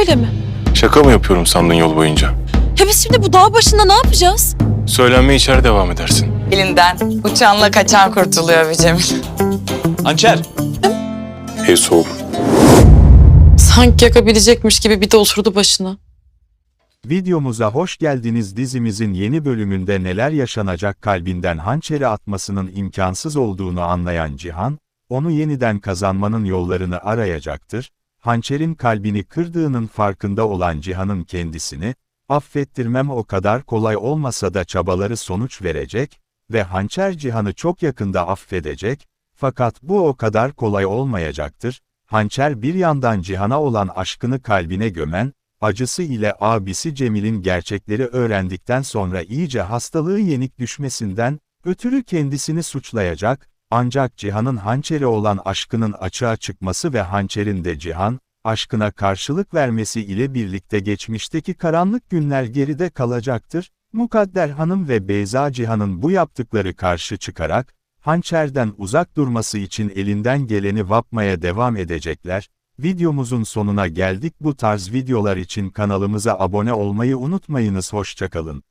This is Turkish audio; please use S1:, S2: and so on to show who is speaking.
S1: Öyle mi?
S2: Şaka mı yapıyorum sandın yol boyunca?
S1: Ya biz şimdi bu dağ başında ne yapacağız?
S2: Söylenmeye içeri devam edersin.
S3: Elinden uçanla kaçan kurtuluyor bir Cemil.
S4: Hançer.
S2: Ev soğuk.
S1: Sanki yakabilecekmiş gibi bir de oturdu başına.
S5: Videomuza hoş geldiniz. Dizimizin yeni bölümünde neler yaşanacak, kalbinden hançeri atmasının imkansız olduğunu anlayan Cihan, onu yeniden kazanmanın yollarını arayacaktır. Hançerin kalbini kırdığının farkında olan Cihan'ın kendisini, affettirmem o kadar kolay olmasa da çabaları sonuç verecek ve hançer Cihan'ı çok yakında affedecek, fakat bu o kadar kolay olmayacaktır. Hançer bir yandan Cihan'a olan aşkını kalbine gömen, acısı ile abisi Cemil'in gerçekleri öğrendikten sonra iyice hastalığı yenik düşmesinden ötürü kendisini suçlayacak, ancak Cihan'ın hançere olan aşkının açığa çıkması ve hançerin de Cihan, aşkına karşılık vermesi ile birlikte geçmişteki karanlık günler geride kalacaktır. Mukadder Hanım ve Beyza Cihan'ın bu yaptıkları karşı çıkarak, hançerden uzak durması için elinden geleni yapmaya devam edecekler. Videomuzun sonuna geldik. Bu tarz videolar için kanalımıza abone olmayı unutmayınız. Hoşça kalın.